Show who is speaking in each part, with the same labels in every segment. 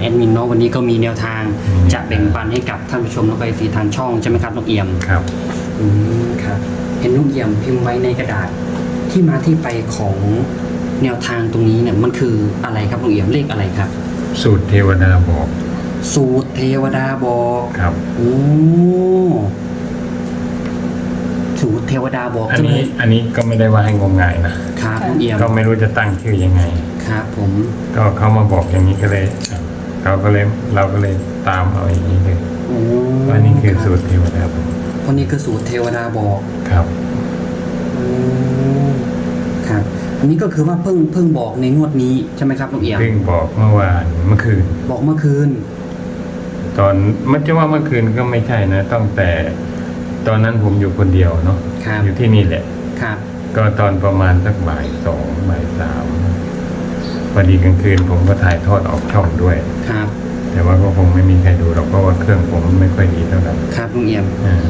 Speaker 1: อดมินเนาะวันนี้ก็มีแนวทางจะแบ่งปันให้กับท่านผู้ชมแล้วก็ไอซีทางช่องใช่ไหมครับลุงเอี่ยม
Speaker 2: ครับ
Speaker 1: ครับเห็นลุงเอี่ยมพิมพ์ไว้ในกระดาษที่มาที่ไปของแนวทางตรงนี้เนี่ยมันคืออะไรครับลุงเอี่ยมเลขอะไรครับ
Speaker 2: สูตรเทวดาบอก
Speaker 1: สูตรเทวดาบอก
Speaker 2: ครับ
Speaker 1: โอ้สูตรเทวดาบอก
Speaker 2: อันนี้ก็ไม่ได้ว่าให้งมงายนะครับ
Speaker 1: ลุงเอี่ยม
Speaker 2: ก็ไม่รู้จะตั้งชื่อยังไง
Speaker 1: ครับผม
Speaker 2: ก็เขามาบอกอย่างนี้ก็เลยเราก็เลยตามเอาอย่างนี้เลย
Speaker 1: โอ้
Speaker 2: ว่านี่คือสูตรเทวดาบอก
Speaker 1: วันนี้คือสูตรเทวดาบอก
Speaker 2: ครับ
Speaker 1: ครับ อันนี้ก็คือว่าเพิ่งบอกในงวดนี้ใช่ไหมครับลุงเอี่ยม
Speaker 2: เพิ่งบอกเมื่อวานเมื่อคืน
Speaker 1: บอกเมื่อคืน
Speaker 2: ตอนมันจะว่าเมื่อคืนก็ไม่ใช่นะตั้งแต่ตอนนั้นผมอยู่คนเดียวเนาะ
Speaker 1: ครับ
Speaker 2: อยู่ที่นี่แหละ
Speaker 1: ครับ
Speaker 2: ก็ตอนประมาณสักบ่ายสองบ่ายสามพอดีกลางคืนผมก็ถ่ายทอดออกช่องด้วย
Speaker 1: ครับ
Speaker 2: แต่ว่าก็คงไม่มีใครดูหรอกเพราะว่าเครื่องผมไม่ค่อยดีเท่าไหร่
Speaker 1: ครับลุงเอี่ยม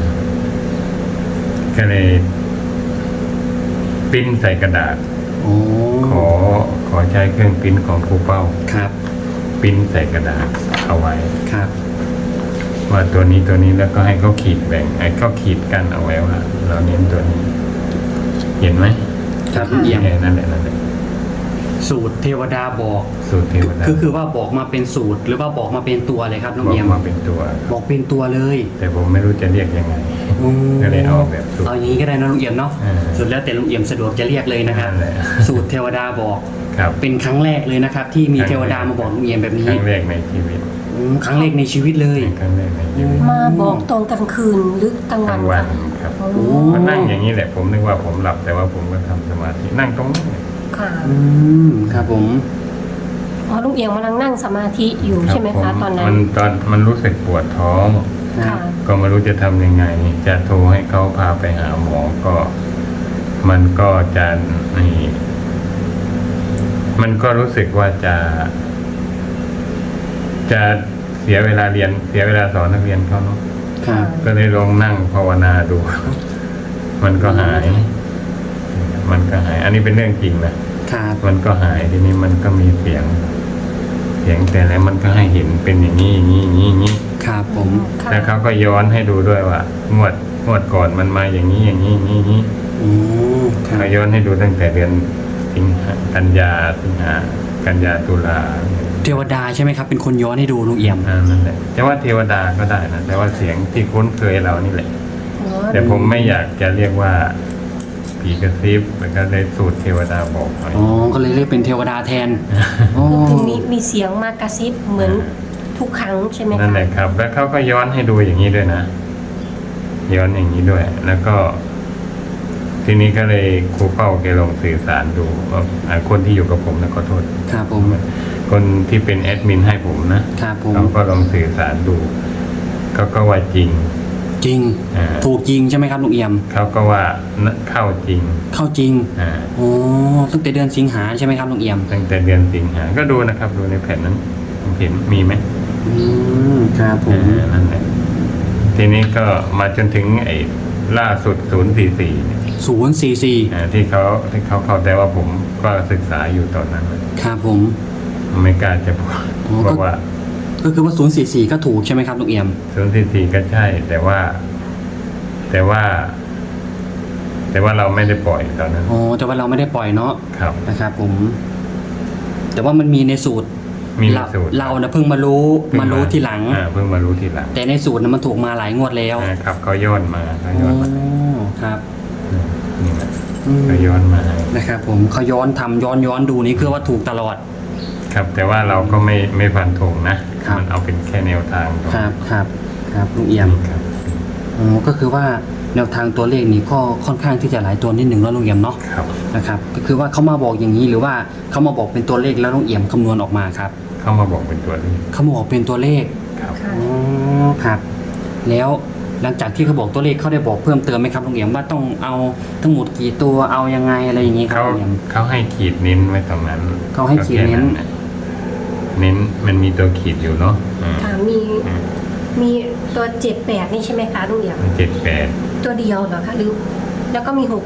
Speaker 2: ก็เลยปริ้นใส่กระดาษ
Speaker 1: โอ้
Speaker 2: ขอใช้เครื่องปริ้นของครูเป้า
Speaker 1: ครับ
Speaker 2: ปริ้นใส่กระดาษเอาไว้
Speaker 1: ครับ
Speaker 2: ว่าตัวนี้แล้วก็ให้เขาขีดแบ่งไอ้เขาขีดกันเอาไว้ว่าเราเน้นตัวนี้ เห็นไหม
Speaker 1: ครับลุงเอี่ยม
Speaker 2: นั่นแหละ
Speaker 1: สูตรเทวดาบอก
Speaker 2: สูตรเทวดา
Speaker 1: คือว่าบอกมาเป็นสูตรหรือว่าบอกมาเป็นตัวเลยครับลุง
Speaker 2: บอก
Speaker 1: เอี่ยม
Speaker 2: มาเป็นตัว
Speaker 1: บอกเป็นตัวเลย
Speaker 2: แต่ผมไม่รู้จะเรียกยังไง ก็เลยเอาแบบสูตร
Speaker 1: เอาอย่างนี้ก็ได้นะลุงเอี่ยมเนาะ สุดแล้วแต่ลุงเอี่ยมสะดวกจะเรียกเลยนะครับ
Speaker 2: นั่นแหละ
Speaker 1: สูตรเทวดาบอก
Speaker 2: ครับ
Speaker 1: เป็นครั้งแรกเลยนะครับ ที่มีเทวดามาบอกลุงเอี่ยมแบบ
Speaker 2: ค
Speaker 1: นี้
Speaker 2: รั้งแรกในชีวิต
Speaker 1: ครั้งแรกในชีวิตเลย
Speaker 2: ครั้งแรกในชีวิต
Speaker 3: มาบอกตอนกลางคืนหรือกลาง
Speaker 2: ก
Speaker 3: วั
Speaker 2: ลาน งวันครับ
Speaker 3: โอ้
Speaker 2: ก็นั่งอย่างนี้แหละ ผมนึกว่าผมหลับแต่ว่าผมก็ทำสมาธินั่งตรงนี้
Speaker 3: ค่ะ
Speaker 1: ครับผม
Speaker 3: อ๋อลุงเอียงกำลังนั่งสมาธิอยู่ใช่ไหมคะตอนนั้น
Speaker 2: มันรู้สึกปวดท้อง
Speaker 1: ครับ
Speaker 2: ก็ไม่รู้จะทำยังไง จะโทรให้เขาพาไปหาหมอก็ มันก็จะนี่มันก็รู้สึกว่าจะเสียเวลาเรียนเสียเวลาสอนนักเรียนเขาเนาะ
Speaker 1: ครับ
Speaker 2: ก็เลยลองนั่งภาวนาดู มันก็หาย อันนี้เป็นเรื่องจริงนะครับ มันก็หายทีนี้มันก็มีเสียงแต่แล้วมันก็ให้เห็นเป็นอย่างนี้อย่างนี้
Speaker 1: ครับผม
Speaker 3: ค่ะ
Speaker 2: แล้วเขาก็ย้อนให้ดูด้วยว่างวดก่อนมันมาอย่างนี้อย่างนี้
Speaker 1: ครับ
Speaker 2: เขาย้อนให้ดูตั้งแต่เดือนสิงหากันยาตุลา
Speaker 1: เทวดาใช่ไหมครับ เป็นคนย้อนให้ดูลุงเอี่ยม
Speaker 2: นั่นแหละแต่ว่าเทวดาก็ได้นะแต่ว่าเสียงที่คุ้นเคยเรานี่แหละ
Speaker 3: อ๋อ
Speaker 2: แต่ผมไม่อยากจะเรียกว่าผีกระซิบมันก็เลยสูตรเทวดาบอกไป
Speaker 1: อ๋อ ก็เลยเรียกเป็นเทวดาแทนอ๋อ
Speaker 3: คือมีเสียงมากระซิบเหมือนทุกครั้งใช่ไหมคะ
Speaker 2: นั่นแหละครับ แล้วเขาก็ย้อนให้ดูอย่างนี้ด้วยนะย้อนอย่างนี้ด้วย แล้วก็ ทีนี้ก็เลยครูเป้าแกลองสื่อสารดูว่าคนที่อยู่กับผมนะขอโทษ
Speaker 1: ครับผม
Speaker 2: คนที่เป็นแอดมินให้ผมนะครับ
Speaker 1: ผม
Speaker 2: เขาก็ลองสื่อสารดูเขาก็ว่าจริง
Speaker 1: จริง
Speaker 2: อ่า
Speaker 1: ถูกจริงใช่ไหมครับลุงเอี่ยม
Speaker 2: เขาก็ว่าเข้าจริง
Speaker 1: เข้าจริง
Speaker 2: อ่า
Speaker 1: โอ้ตั้งแต่เดือนสิงหาใช่ไหมครับลุงเอี่ยม
Speaker 2: ตั้งแต่เดือนสิงหาก็ดูนะครับ ดูในแผ่นนั้นเห็นมีไหม
Speaker 1: ครับผม
Speaker 2: นั่นแหละทีนี้ก็มาจนถึงไอ้ล่าสุด044เนี่ย
Speaker 1: 044
Speaker 2: ที่เขาเข้าใจว่าผมก็ศึกษาอยู่ตอนนั้น
Speaker 1: ครับผม
Speaker 2: ไม่กล้าจะพูด
Speaker 1: อ๋อ
Speaker 2: เพราะว่า
Speaker 1: ก็คือว่า044ก็ถูกใช่ไหมครับลุงเอี่ยม
Speaker 2: 044ก็ใช่ แต่ว่าเราไม่ได้ปล่อยตอนนั้น
Speaker 1: อ๋อ แต่ว่าเราไม่ได้ปล่อยเนาะ
Speaker 2: ครับ
Speaker 1: นะครับผม แต่ว่ามันมีในสูตร
Speaker 2: มีในสูตร
Speaker 1: เรานะเพิ่งมารู้ทีหลัง
Speaker 2: เพิ่งมารู้ทีหลัง
Speaker 1: แต่ในสูตรนะมันถูกมาหลายงวดแล้ว
Speaker 2: ครับเขาย้อนมา
Speaker 1: อ๋อครับ
Speaker 2: นี่แหละเขาย้อนมา
Speaker 1: นะครับผมเขาย้อนทำย้อนดูนี่คือว่าถูกตลอด
Speaker 2: ครับ แต่ว่าเราก็ไม่ฟันธงนะครับ มันเอาเป็นแค่แนวทางก่อน
Speaker 1: ครับลุงเอี่ยม
Speaker 2: ครับ
Speaker 1: อ๋อก็คือว่าแนวทางตัวเลขนี้ก็ค่อนข้างที่จะหลายตัวนิดหนึ่งแล้วลุงเอี่ยมเนาะ
Speaker 2: ครับ
Speaker 1: นะครับก็คือว่าเขามาบอกอย่างนี้หรือว่าเขามาบอกเป็นตัวเลขแล้วลุงเอี่ยมคำนวณออกมาครับ
Speaker 2: เข้ามาบอกเป็นตัวเลข
Speaker 1: เขามาบอกเป็นตัวเลข
Speaker 2: ครับ
Speaker 3: ค่ะ
Speaker 1: อ๋อครับแล้วหลังจากที่เขาบอกตัวเลขเขาได้บอกเพิ่มเติมไหมครับลุงเอี่ยมว่าต้องเอาทั้งหมดกี่ตัวเอายังไงอะไรอย่างนี้ครับลุงเอี่ยม
Speaker 2: เขาให้ขีดเน้นไว้ตรงนั้น
Speaker 1: เขาให้ขีดเน้น
Speaker 2: ก็แค่ะเน้นมันมีตัวขีดอยู่เนาะ
Speaker 3: ค่ะมีตัว78นี่ใช่ไหมคะลุงเอียง
Speaker 2: 78
Speaker 3: ตัวเดียวเหรอคะหรือแล้วก็มี69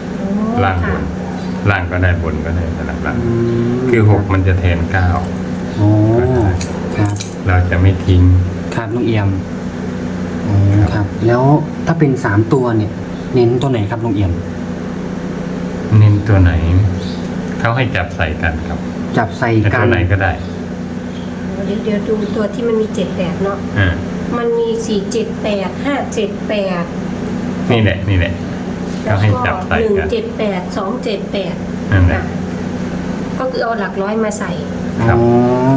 Speaker 2: 69ล่างบนล่างก็ได้บนก็ได้สลับล่าง
Speaker 1: อืม
Speaker 2: คือ6มันจะแทน9
Speaker 1: โอ้ครับ
Speaker 2: เราจะไม่ทิ้ง
Speaker 1: ครับลุงเอี่ยมอ๋อครับ แล้วถ้าเป็น3ตัวเนี่ย เน้นตัวไหนครับลุงเอี่ยม
Speaker 2: เน้นตัวไหน เขาให้จับใส่กันครับ
Speaker 1: จับใส่
Speaker 2: แต่
Speaker 1: กั
Speaker 2: ตั
Speaker 1: น
Speaker 2: วไหนก็ได้
Speaker 3: เดี๋ยวดูตัวที่มันมี78เนาะ
Speaker 2: อ่า
Speaker 3: มันมี478 578
Speaker 2: นี่แหละนี่แหละ
Speaker 3: แล้ว
Speaker 2: เขาให้
Speaker 3: ก็
Speaker 2: จับใส่กัน
Speaker 3: 178 278
Speaker 2: นั่นแหละ
Speaker 3: ก็คือเอาหลักร้อยมาใส่
Speaker 2: ครับ
Speaker 1: อ๋อ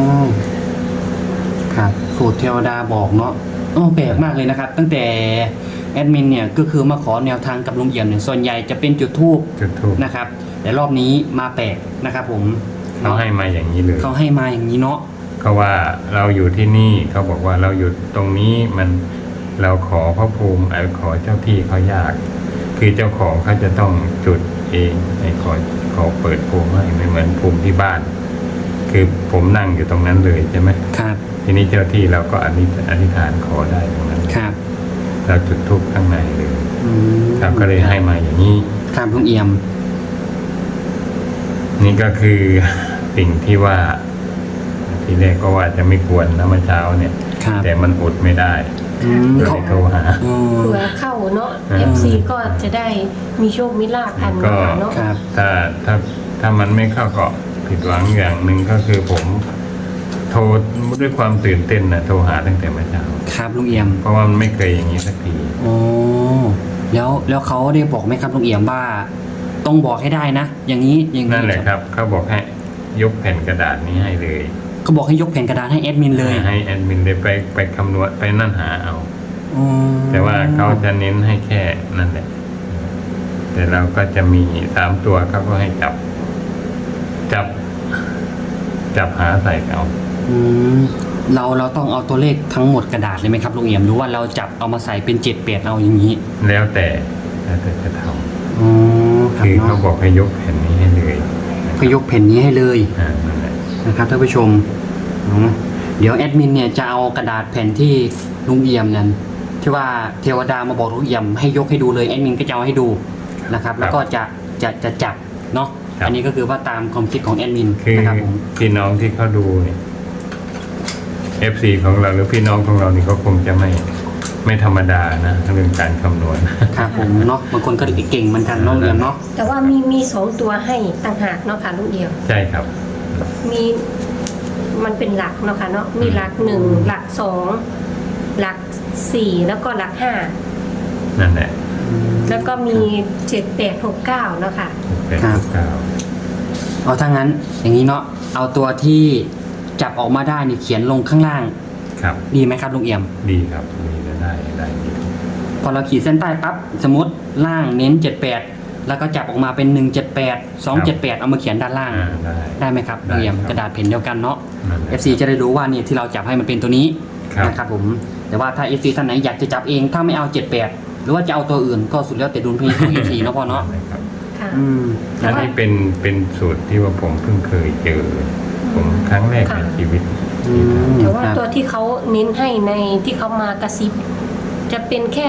Speaker 1: ครับสูตรเทวดาบอกเนาะโอ้แปลกมากเลยนะครับ ตั้งแต่แอดมินเนี่ยก็คือมาขอแนวทางกับลุงเอี่ยมเนี่ยส่วนใหญ่จะเป็นจุดทูบ
Speaker 2: จุดทูบ
Speaker 1: นะครับ แต่รอบนี้มาแปลกนะครับผม
Speaker 2: เขาให้มาอย่างนี้เลย
Speaker 1: เขาให้มาอย่างนี้เนาะ
Speaker 2: เขาว่าเราอยู่ที่นี่เขาบอกว่าเราอยู่ตรงนี้มันเราขอพระภูมิขอเจ้าที่เขายาก คือเจ้าของเขาจะต้องจุดเองขอเปิดภูมิให้ไม่เหมือนภูมิที่บ้าน คือผมนั่งอยู่ตรงนั้นเลยใช่ไหม
Speaker 1: ครับ
Speaker 2: ทีนี้เจ้าที่เราก็อธิษฐานขอได้ตรงนั้น
Speaker 1: ครับ
Speaker 2: เราจุดธูปข้างในเลย
Speaker 1: อืม
Speaker 2: ครับก็เลยให้มาอย่างนี้
Speaker 1: ครับลุงเอี่ยม
Speaker 2: นี่ก็คือสิ่งที่ว่า ทีแรกก็ว่าจะไม่ควรนะเมื่อเช้าเนี่ย
Speaker 1: ครับ
Speaker 2: แต่มันอดไม่ได้
Speaker 1: อืม
Speaker 2: ก็เล
Speaker 1: เขา
Speaker 2: ยโทรหา
Speaker 1: อืม
Speaker 3: เผื่อเข้าเนาะ
Speaker 2: อ่า
Speaker 3: FC ก็จะได้มีโชคมีลาภกัน
Speaker 2: ก็
Speaker 3: เนาะ
Speaker 1: ครับ
Speaker 2: ถ้ามันไม่เข้าก็ผิดหวังอย่างหนึ่งก็คือผมโทรด้วยความตื่นเต้นนะโทรหาตั้งแต่เมื่อเช้า
Speaker 1: ครับลุงเอี่ยม
Speaker 2: เพราะว่ามันไม่เคยอย่างนี้สักที
Speaker 1: โอ้แล้วเขาได้บอกไหมครับลุงเอี่ยมว่า ต้องบอกให้ได้นะ อย่างนี้อย่างนี้
Speaker 2: นั่นแหละครับเขาบอกให้ยกแผ่นกระดาษนี้ให้เลย
Speaker 1: เขาบอกให้ยกแผ่นกระดาษให้แอดมินเลย
Speaker 2: ให้แอดมินได้ไปคำนวณไปนั่นหาเอา
Speaker 1: อ๋อ
Speaker 2: แต่ว่าเขาจะเน้นให้แค่นั่นแหละ แต่เราก็จะมี3ตัวเขาก็ให้จับหาใส่เอา
Speaker 1: อืมเราต้องเอาตัวเลขทั้งหมดกระดาษเลยไหมครับลุงเอี่ยมหรือว่าเราจับเอามาใส่เป็น7-8เอาอย่างนี้
Speaker 2: แล้วแต่จะท
Speaker 1: อ๋อ
Speaker 2: ำ
Speaker 1: ครับ
Speaker 2: คือเขา
Speaker 1: เนาะ
Speaker 2: บอกให้ยกแผ่นนี้ให้เลย
Speaker 1: ก็ยกแผ่นนี้ให้เลย
Speaker 2: นั่นแหละ
Speaker 1: นะครับท่านผู้ชมอ๋อเดี๋ยวแอดมินเนี่ยจะเอากระดาษแผ่นที่ลุงเอี่ยมนั้นที่ว่าเทวดามาบอกลุงเอี่ยมให้ยกให้ดูเลยแอดมินก็จะเอาให้ดูนะครับ แล้วก็จะจับเนาะอันนี้ก็คือว่าตามความคิดของแอดมิน
Speaker 2: คือ
Speaker 1: นะครับผม
Speaker 2: พี่น้องที่เขาดูเนี่ย FC ของเราหรือพี่น้องของเรานี่เขาคงจะไม่ธรรมดานะเรื่องการคำนวณ
Speaker 1: ครับผมเนาะบางคนก็เก่งเหมือนกันเนาะลุงเอี่ยมเนาะ
Speaker 3: แต่ว่ามี2ตัวให้ต่างหากเนาะค่ะลูกเดียว
Speaker 2: ใช่ครับ
Speaker 3: มีมันเป็นหลักเนาะค่ะเนาะมีหลัก1หลัก2หลัก4แล้วก็หลัก5
Speaker 2: นั่นแหละ
Speaker 3: แล้วก็มี7869เนาะค่ะ
Speaker 2: เป็น
Speaker 1: ครับ
Speaker 2: เก้า
Speaker 1: เอาถ้างั้นอย่างนี้เนาะเอาตัวที่จับออกมาได้นี่เขียนลงข้างล่าง
Speaker 2: ครับ
Speaker 1: ดีไหมครับลุงเอี่ยม
Speaker 2: ดีครับดีได้ดี
Speaker 1: พอเราขีดเส้นใต้ปั๊บสมมติล่างเน้น78แล้วก็จับออกมาเป็น178 278เอามาเขียนด้านล่าง
Speaker 2: ได้
Speaker 1: ได้ไหมครับลุงเอี่ยม
Speaker 2: ได้ครับ
Speaker 1: กระดาษแผ่นเดียวกันเนาะ
Speaker 2: นั่นแหละ
Speaker 1: FC จะได้รู้ว่าเนี่ยที่เราจับให้มันเป็นตัวนี้
Speaker 2: ครับ
Speaker 1: นะครับผมแต่ว่าถ้า FC ท่านไหนอยากจะจับเองถ้าไม่เอา78หรือว่าจะเอาตัวอื่นก็สุดแล้วแต่ดุลพินิจของ FC เนาะพ่อเนาะ
Speaker 2: ได้ครับ
Speaker 3: ค่ะ
Speaker 1: อืม
Speaker 3: แต่
Speaker 2: อัน
Speaker 3: ว่า
Speaker 2: นี้เป็นสูตรที่ว่าผมเพิ่งเคยเจอ ผมครั้งแรกในชีวิต
Speaker 1: อืม
Speaker 3: แต่ว่า
Speaker 1: ครับ
Speaker 3: ตัวที่เขาเน้นให้ในที่เขามากระซิบจะเป็นแค่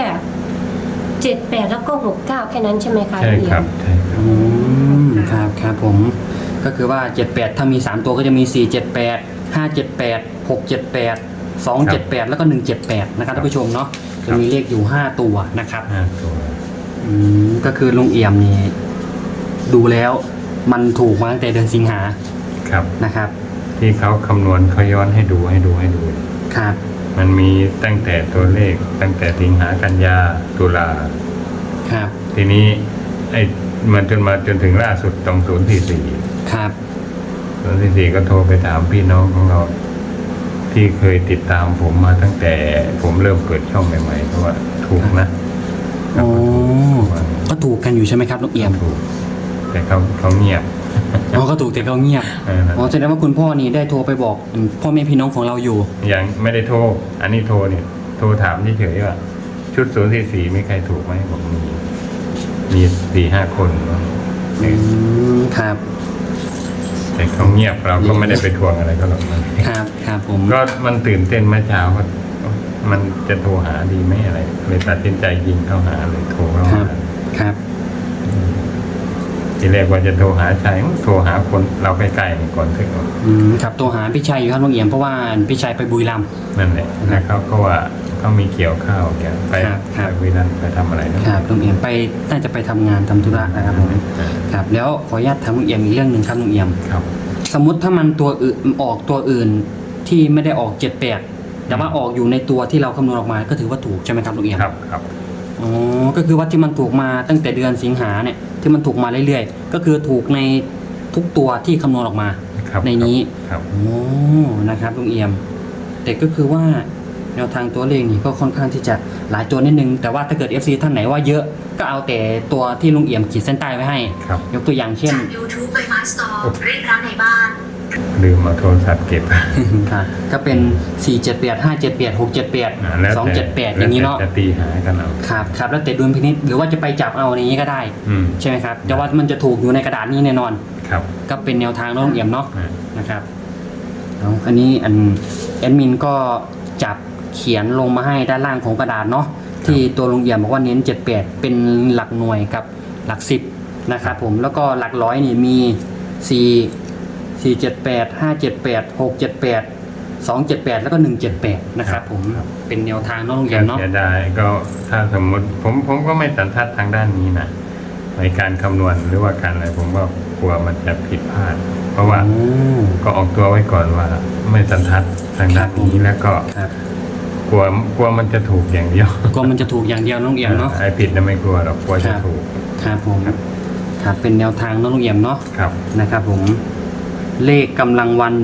Speaker 3: 78แล้วก็69แค่นั้นใช่ไหมคะ
Speaker 2: ใช่
Speaker 3: ลูกเดี
Speaker 2: ค
Speaker 3: ย
Speaker 2: รั
Speaker 3: ว
Speaker 2: บใช่ครับ
Speaker 1: อืมครับครับผมก็คือว่า78ถ้ามี3ตัวก็จะมี478 578 678 278แล้วก็178นะครับท่านผู้ชมเนาะจะมีเลขอยู่5ตัวนะครับ
Speaker 2: ตัว
Speaker 1: ก็คือลุงเอี่ยมนี่ดูแล้วมันถูกมาตั้งแต่เดือนสิงหา
Speaker 2: ครับ
Speaker 1: นะครับ
Speaker 2: ที่เขาคำนวณเขาย้อนให้ดู
Speaker 1: ครับ
Speaker 2: มันมีตั้งแต่ตัวเลขตั้งแต่สิงหากันยาตุลา
Speaker 1: ครับ
Speaker 2: ทีนี้มันจนถึงล่าสุดตรง044
Speaker 1: ครับ
Speaker 2: 044ก็โทรไปถามพี่น้องของเรา ที่เคยติดตามผมมาตั้งแต่ผมเริ่มเปิดช่องใหม่ๆเพราะว่าถูกนะ
Speaker 1: โอ้ก็ถูกกันอยู่ใช่ไหมครับลุงเอี่ยม
Speaker 2: ถูก แต่เขาเงียบ
Speaker 1: อ๋อก็ถูกแต่เขาเงียบ
Speaker 2: เออนั่น
Speaker 1: อ๋อแสดงว่าคุณพ่อนี่ได้โทรไปบอกพ่อแม่พี่น้องของเราอยู่
Speaker 2: ยังไม่ได้โทร อันนี้โทรเนี่ย โทรถามเฉยๆว่า ชุด044มีใครถูกไหมบอกมี4-5 คนเนอะ
Speaker 1: ครับ
Speaker 2: แต่เขาเงียบเราก็ไม่ได้ไปทวงอะไรก็หรอกนะ
Speaker 1: ครับครับผม
Speaker 2: ก็มันตื่นเต้นเมื่อเช้าก็มันจะโทรหาดีไหมอะไรเลยตัดสินใจยิงเข้าหาเลยโทรเข้า
Speaker 1: ครั
Speaker 2: หา
Speaker 1: บครับ
Speaker 2: ทีแรกว่าจะโทรหาชัยโทรหาคนเราใกล้ๆนี่ก่อนถึง
Speaker 1: ครับตัวหาพี่ชัยอยู่ครับลุงเอี่ยมเพราะว่าพี่ชัยไปบุรีรัมย์
Speaker 2: นั่นแหละแล้วเขาก็ว่าเขามีเกี่ยวข้าวเกี่ยวไป
Speaker 1: ครับ
Speaker 2: ไปวิรันไปทำอะไรนะครับ
Speaker 1: ลุงเอี่ยมไปน่าจะไปทำงานทำธุระนะครับผมครับแล้วขออนุญาตถามลุงเอี่ยมอีกเรื่องหนึ่งครับลุงเอี่ยม
Speaker 2: ครับ
Speaker 1: สมมติถ้ามันตัวอื่นออกตัวอื่นที่ไม่ได้ออก78แต่ว่าออกอยู่ในตัวที่เราคำนวณออกมาก็ถือว่าถูกใช่ไหมครับลุงเอี่ยม
Speaker 2: ครับครับ
Speaker 1: อ๋อก็คือว่าที่มันถูกมาตั้งแต่เดือนสิงหาเนี่ยที่มันถูกมาเรื่อยๆก็คือถูกในทุกตัวที่คำนวณออกมา
Speaker 2: ครับ
Speaker 1: ในนี้
Speaker 2: ครับ
Speaker 1: โอ้นะครับลุงเอี่ยมแต่ก็คือว่าแนวทางตัวเลขนี่ก็ค่อนข้างที่จะหลายตัวนิดนึงแต่ว่าถ้าเกิด FC ท่านไหนว่าเยอะก็เอาแต่ตัวที่ลุงเอี่ยมขีดเส้นใต้ไว้ให้
Speaker 2: ครับ
Speaker 1: ยกตัวอย่างเช่น
Speaker 4: จาก YouTube ไปมาสตอร์เรียกร้านในบ้าน
Speaker 2: ลืมเอาโทรศัพท์เก็บ
Speaker 1: ครับก็เป็น 478 578 678
Speaker 2: แล้วแต่
Speaker 1: 278 อย่างนี้เนาะ
Speaker 2: แล้วแต่จะตีหากันเอา
Speaker 1: ครับครับแล้วแต่ดุลพินิจหรือว่าจะไปจับเอาในนี้ก็ได้
Speaker 2: อืม
Speaker 1: ใช่ไหมครับแต่ว่ามันจะถูกอยู่ในกระดาษนี้แน่นอน
Speaker 2: ครับ
Speaker 1: ก็เป็นแนวทางน้องเอี่ยมเนาะ
Speaker 2: อ่า
Speaker 1: นะครับเอาอันนี้แอดมินก็จับเขียนลงมาให้ด้านล่างของกระดาษเนาะที่ตัวลุงเอี่ยมบอกว่าเน้น78เป็นหลักหน่วยกับหลัก10นะครับผมแล้วก็หลักร้อยนี่มี478 578 678 278แล้วก็178นะครับผมเป็นแนวทางน้องลุงเอี่ยมเนาะ
Speaker 2: เสียดายก็ถ้าสมมติผมก็ไม่สันทัดทางด้านนี้นะในการคำนวณหรือว่าการอะไรผมก็กลัวมันจะผิดพลาด เพราะว่าก็ออกตัวไว้ก่อนว่า ไม่สันทัดทางด้านนี้แล้วก็
Speaker 1: ครับ
Speaker 2: กลัวมันจะถูกอย่างเดียว
Speaker 1: ก็มันจะถูกอย่างเดียวน้องเอี่ยมเนาะ
Speaker 2: ไอ้ผิดนะไม่กลัวหรอกกลัวจะถูก
Speaker 1: ครับผมครับเป็นแนวทางน้องลุงเอี่ยมเนาะ
Speaker 2: ครับ
Speaker 1: นะครับผมเลขกำลังวัน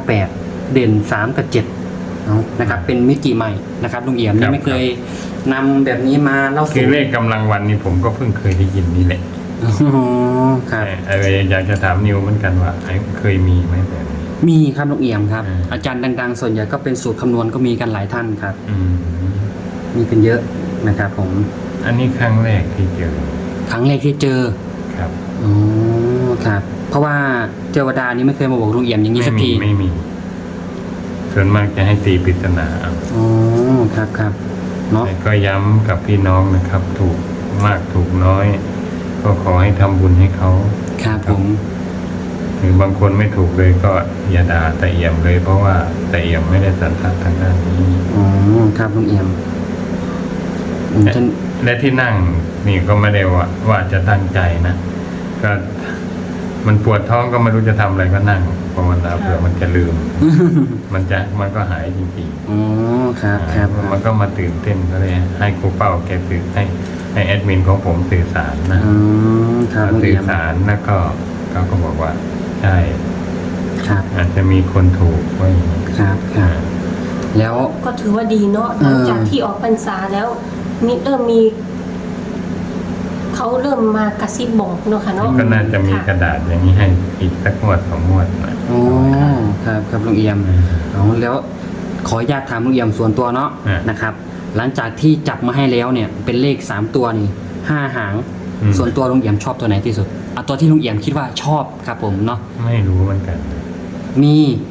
Speaker 1: 158เด่น3กับ7เนาะนะครับเป็นมิติใหม่นะครับลุงเอี่ยมนี่ไม่เคยนำแบบนี้มาเล่า
Speaker 2: คือเลขกำลังวันนี้ผมก็เพิ่งเคยได้ยินนี่แหละ
Speaker 1: อ๋อครับ
Speaker 2: ไอ้อยากจะถามนิวเหมือนกันว่าไอ้เคยมีไหมแบบนี้
Speaker 1: มีครับลุงเอี่ยมครับ
Speaker 2: อืม
Speaker 1: อาจารย์ดังๆ ส่วนใหญ่ก็เป็นสูตรคำนวณก็มีกันหลายท่านครับ
Speaker 2: อืม
Speaker 1: มีกันเยอะนะครับผม
Speaker 2: อันนี้ครั้งแรกที่เจอ
Speaker 1: ครั้งแรกที่เจอ
Speaker 2: ครับ
Speaker 1: อ๋อครับเพราะว่าเทวดานี่ไม่เคยมาบอกลุงเอี่ยมอย่างนี้สักที
Speaker 2: ไม่มีส่วนมากจะให้ตีปริศนาเอา
Speaker 1: อ๋อครับครับเนาะ
Speaker 2: แต่ก็ย้ำกับพี่น้องนะครับ ถูกมากถูกน้อย ก็ขอให้ทำบุญให้เขา
Speaker 1: ครับผม
Speaker 2: หรือบางคนไม่ถูกเลยก็อย่าด่าแต่เอี่ยมเลย เพราะว่าแต่เอี่ยมไม่ได้สันทัดทางด้านนี้
Speaker 1: อ๋อครับลุงเอี่ยมท่าน
Speaker 2: และที่นั่งนี่ก็ไม่ได้ว่าจะตั้งใจนะก็มันปวดท้องก็ไม่รู้จะทำอะไรก็นั่งภาวนาเผื่อมันจะลืม มันก็หายจริง
Speaker 1: อ๋อครับ
Speaker 2: ๆ
Speaker 1: ครับ
Speaker 2: มันก็มาตื่นเต้นก็เลยให้ครูเป้าแกสื่อให้แอดมินของผมสื่อสารนะ
Speaker 1: อ๋อครับลุง
Speaker 2: สื่
Speaker 1: เอี่
Speaker 2: อย
Speaker 1: ม
Speaker 2: สารแล้วก็เขาก็บอกว่าใช่
Speaker 1: ครับ
Speaker 2: อาจจะมีคนถูกไว้อย่างนี้
Speaker 1: ครับครับแล้ว
Speaker 3: ก็ถือว่าดีเนาะ
Speaker 1: เออ
Speaker 3: หลังจากที่ออกพรรษาแล้วเริ่มมีเขาเริ่มมากระซิบบอกเนาะค่ะเนาะ
Speaker 2: ก็น่าจะมีกระดาษอย่างนี้ให้อีกสักงวด2 งวดหน่อย
Speaker 1: อ๋อครับครับลุงเอี่ยมเอาแล้วขออนุญาตถามลุงเอี่ยมส่วนตัวเนาะนะครับ หลังจากที่จับมาให้แล้วเนี่ยเป็นเลข3ตัวนี่5หาง ส่วนตัวลุงเอี่ยมชอบตัวไหนที่สุดเอาตัวที่ลุงเอี่ยมคิดว่าชอบครับผมเนาะ
Speaker 2: ไม่รู้เหมือนกัน
Speaker 1: มี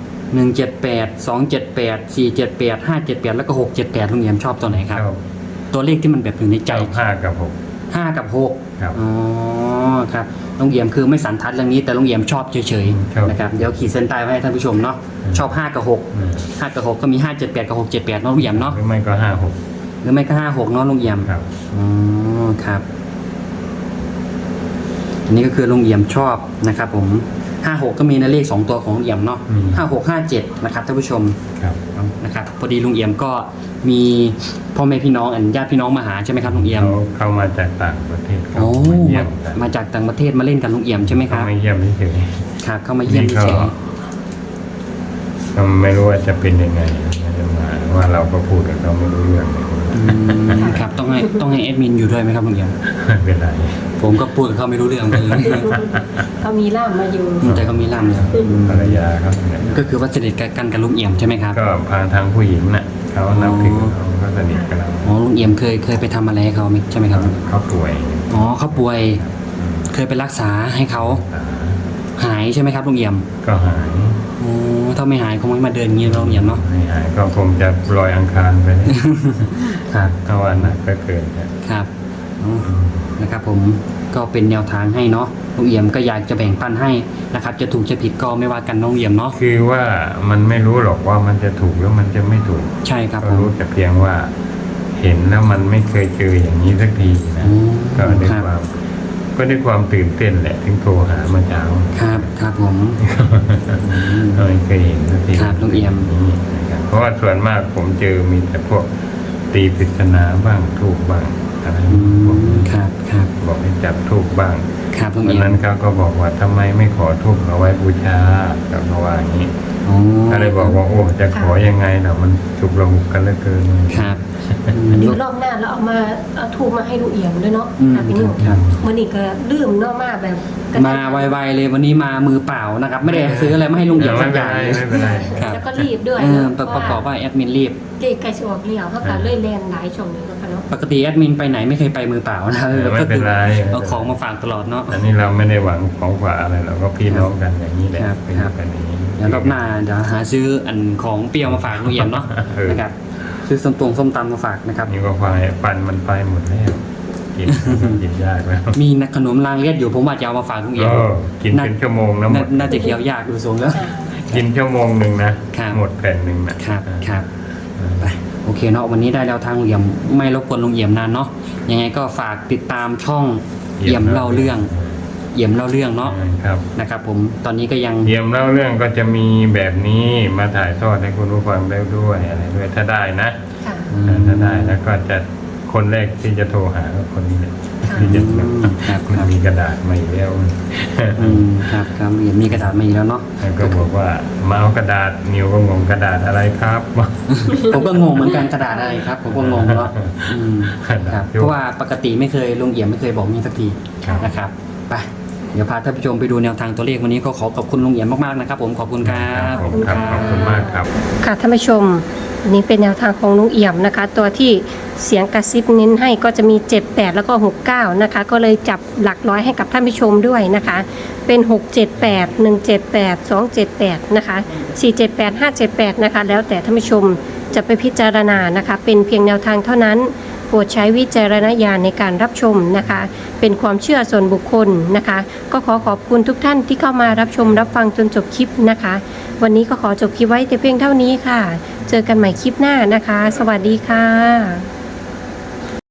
Speaker 1: 178 278 478 578แล้วก็678ลุงเอี่ยมชอบตัวไหนครับ
Speaker 2: ชอบ
Speaker 1: ตัวเลขที่มันแบบอยู่ในใจ
Speaker 2: 5 กับ
Speaker 1: 5 กับ 6
Speaker 2: ครับ
Speaker 1: อ๋อครับลุงเอี่ยมคือไม่สันทัดเรื่องนี้แต่ลุงเอี่ยมชอบเฉย
Speaker 2: ชอบ
Speaker 1: ๆนะครับเดี๋ยวขีดเส้นใต้ไว้ให้ท่านผู้ชมเนาะชอบ5กับ
Speaker 2: 6
Speaker 1: 6 5กับ6ก็มี578กับ678เนาะลุงเอี่ยมเนาะ
Speaker 2: หรือไม่ก็5
Speaker 1: หรือไม่ก็56เนาะลุงเอี่ยม
Speaker 2: 6ครับ
Speaker 1: อ๋อครับอันนี้ก็คือลุงเอี่ยมชอบนะครับผม56ก็มีในเลข2ตัวของลุงเอี่ยมเนาะ56 57นะครับท่านผู้ชม
Speaker 2: ครับ
Speaker 1: นะครับพอดีลุงเอี่ยมก็มีพ่อแม่พี่น้องญาติพี่น้องมาหาใช่ไหมครับลุงเอี่ยม
Speaker 2: เข้ามาจากต่างประเทศเขา
Speaker 1: โอ้
Speaker 2: มาเยี่ยมกัน
Speaker 1: มาจากต่างประเทศมาเล่นกับลุงเอี่ยมใช่ไหมค
Speaker 2: เขา
Speaker 1: รับ
Speaker 2: มาเยี่ยมเฉย
Speaker 1: ครับเข้ามา
Speaker 2: ๆ
Speaker 1: เยี่ยม
Speaker 2: นี่ก็
Speaker 1: เฉย
Speaker 2: ก็ไม่รู้ว่าจะเป็นยังไงไม่ได้มาว่าเราก็พูดกับเขาไม่รู้เรื่องเลย
Speaker 1: ๆครับต้องให้แอดมินอยู่ด้วยไหมครับลุงเอี่ยม
Speaker 2: ไม่เป็นไร
Speaker 1: ผมก็พูดกับเขาไม่รู้เรื่องเลย
Speaker 3: เขามีล่ามมาอยู่
Speaker 1: แต่ก็มีล่ำเลย
Speaker 2: ภรรยาเขาเนี่ย
Speaker 1: ก็คือว่าสนิทกันกับลุงเอี่ยมใช่ไหมครับ
Speaker 2: ก็พาทางผู้หญิงน่ะเขานับถือเขาก็สนิทกับเรา
Speaker 1: อ๋อลุงเอี่ยมเคยไปทำอะไรให้เขาไหมใช่ไหมครับ
Speaker 2: เขาป่วย
Speaker 1: อ๋อเขาป่วยเคยไปรักษาให้เขาหายใช่ไหมครับลุงเอี่ยม
Speaker 2: ก็หาย
Speaker 1: อ๋อถ้าไม่หายคงไม่มาเดินอย่างนี้ลุงเอี่ยมเนาะ
Speaker 2: ไม่หายก็คงจะลอยอังคารไป
Speaker 1: ครับ
Speaker 2: ถ้าวันหนักก็เกินครับ
Speaker 1: ครับอ๋อนะครับผมก็เป็นแนวทางให้เนาะลุงเอี่ยมก็อยากจะแบ่งปันให้นะครับจะถูกจะผิดก็ไม่ว่ากันน้องเอี่ยมเนาะ
Speaker 2: คือว่ามันไม่รู้หรอกว่ามันจะถูกหรือมันจะไม่ถูก
Speaker 1: ใช่ครับ
Speaker 2: ก็
Speaker 1: ผม
Speaker 2: รู้แต่เพียงว่าเห็นแล้วมันไม่เคยเจออย่างนี้สักทีนะ
Speaker 1: อืม
Speaker 2: ก็ด้วย
Speaker 1: ครับ
Speaker 2: ความตื่นเต้นแหละถึงโทรหาเมื่อเช้า
Speaker 1: ครับครับผม
Speaker 2: ไม่เคยเห็นสักที
Speaker 1: ครับลุงเอี่ยม
Speaker 2: นี่นะครับเพราะว่าส่วนมากผมเจอมีแต่พวกตีปริศนาบ้างถูกบ้างอะไร
Speaker 1: อื
Speaker 2: พวก
Speaker 1: ม
Speaker 2: นี้
Speaker 1: ครับครับ
Speaker 2: บอกให้จับถูกบ้าง
Speaker 1: ครับลุง
Speaker 2: วัน
Speaker 1: เอี่ยม
Speaker 2: นั้นเขาก็บอกว่าทำไมไม่ขอทูบเอาไว้บูชากับเขาว่าอย่างนี้
Speaker 1: อ๋อ
Speaker 2: ก็เลยบอกว่าโอ้จะขอยังไงล่ะมันฉุกระหุกกันเหลือเกิน
Speaker 1: ครับอืม
Speaker 3: เดี๋ยวรอบหน้าเราเอาทูบมาให้ลุงเอี่ยมด้วยเนาะ
Speaker 1: อืม
Speaker 3: ค่ะพี่นิว
Speaker 1: ครับ
Speaker 3: มื่อนี้ก็ลืมเนาะมาแบบกระทัน
Speaker 1: มาไวๆเลยวันนี้มามือเปล่านะครับ ไม่ได้ซื้ออะไรมาให้ลุงเอี่ยม
Speaker 2: ไม่
Speaker 1: สัก
Speaker 2: เป็
Speaker 1: อน ย่าง
Speaker 2: ไรไม่เป็นไร
Speaker 1: ครับ
Speaker 3: แล้วก็รีบด้วย
Speaker 1: เออ
Speaker 3: เนาะ
Speaker 1: ประกอบว่าแอดมินรีบ
Speaker 3: เลขไก่สออกเลี้ยวเขาก็เลยแลนหลายช่องนี้เนาะค่ะเนาะ
Speaker 1: ปกติแอดมินไปไหนไม่เคยไปมือเปล่านะ
Speaker 2: ไม่เป็นไร
Speaker 1: เอาของมาฝากตลอดเนาะ
Speaker 2: อันนี้เราไม่ได้หวังของฝากอะไรเราก็พี่น้องกันอย่างนี้แหละ
Speaker 1: ครับ
Speaker 2: เป็น
Speaker 1: ครับ
Speaker 2: กันอย่างนี้
Speaker 1: เดี๋ยวรอบหน้าเดี๋ยวหาซื้ออันของเปรี้ยวมาฝากลุงเอี่ยมเนาะ
Speaker 2: เออ
Speaker 1: นะครับซื้อส้มตำมาฝากนะครับ
Speaker 2: นี่ก็ควายฟันมันไปหมดแล้วกิน กินยากแล้ว
Speaker 1: มีขนมรางเลียดอยู่ผมว่าจะเอามาฝากลุงเอี่ยม
Speaker 2: กินเป็นชั่วโมงนะหมด
Speaker 1: น่าจะเคี้ยวยากดูทรงแล้ว
Speaker 2: กินชั่วโมงหนึ่งนะครับ หมดแผ่นหนึ่งนะครับ
Speaker 1: ครับไปโอเคเนาะวันนี้ได้แล้วทางลุงเอี่ยมไม่รบกวนลุงเอี่ยมนานเนาะยังไงก็ฝากติดตามช่องเอี่ยมเล่าเรื่องเอี่ยมเล่าเรื่องเนาะ
Speaker 2: ครับ
Speaker 1: นะครับผมตอนนี้ก็ยัง
Speaker 2: เยี่ยมเล่าเรื่องก็จะมีแบบนี้มาถ่ายทอดให้คุณผู้ฟังได้ด้วยอะไรด้วยถ้าได้นะ
Speaker 3: ค่ะ
Speaker 2: ถ้าได้แล้วก็จะคนแรกที่จะโทรหาก็คนนี้แหละ
Speaker 3: ค่ะ
Speaker 2: ที่จะ
Speaker 1: ครับ
Speaker 2: มันมีกระดาษมาอีกแล้ว
Speaker 1: ครับครับเอี่ยมมีกระดาษมาอีกแล้วเนาะ
Speaker 2: แล้วก็บอกว่ามาเอากระดาษนิวก็งงกระดาษอะไรครับ
Speaker 1: ผมก็งงเหมือนกันกระดาษอะไรครับผมก็งงเนาะครับเพราะว่าปกติไม่เคยลุงเอี่ยมไม่เคยบอกมีสักที
Speaker 2: ครับ
Speaker 1: นะครับไปเดี๋ยวพาท่านผู้ชมไปดูแนวทางตัวเลขวันนี้ก็ขอขอบคุณลุงเอี่ยมมากๆนะครับผมขอบคุณครับ
Speaker 2: ผมครับขอบคุณมากครับ
Speaker 3: ค่ะท่านผู้ชมอันนี้เป็นแนวทางของลุงเอี่ยมนะคะ ตัวที่เสียงกระซิบเน้นให้ก็จะมี 78 แล้วก็ 69 นะคะ ก็เลยจับหลักร้อยให้กับท่านผู้ชมด้วยนะคะ เป็น 678 178 278 นะคะ 478 578 นะคะ แล้วแต่ท่านผู้ชมจะไปพิจารณานะคะ เป็นเพียงแนวทางเท่านั้นโปรดใช้วิจารณญาณในการรับชมนะคะ เป็นความเชื่อส่วนบุคคลนะคะ ก็ขอขอบคุณทุกท่านที่เข้ามารับชมรับฟังจนจบคลิปนะคะ วันนี้ก็ขอจบคลิปไว้แต่เพียงเท่านี้ค่ะ เจอกันใหม่คลิปหน้านะคะ สวัสดีค่ะ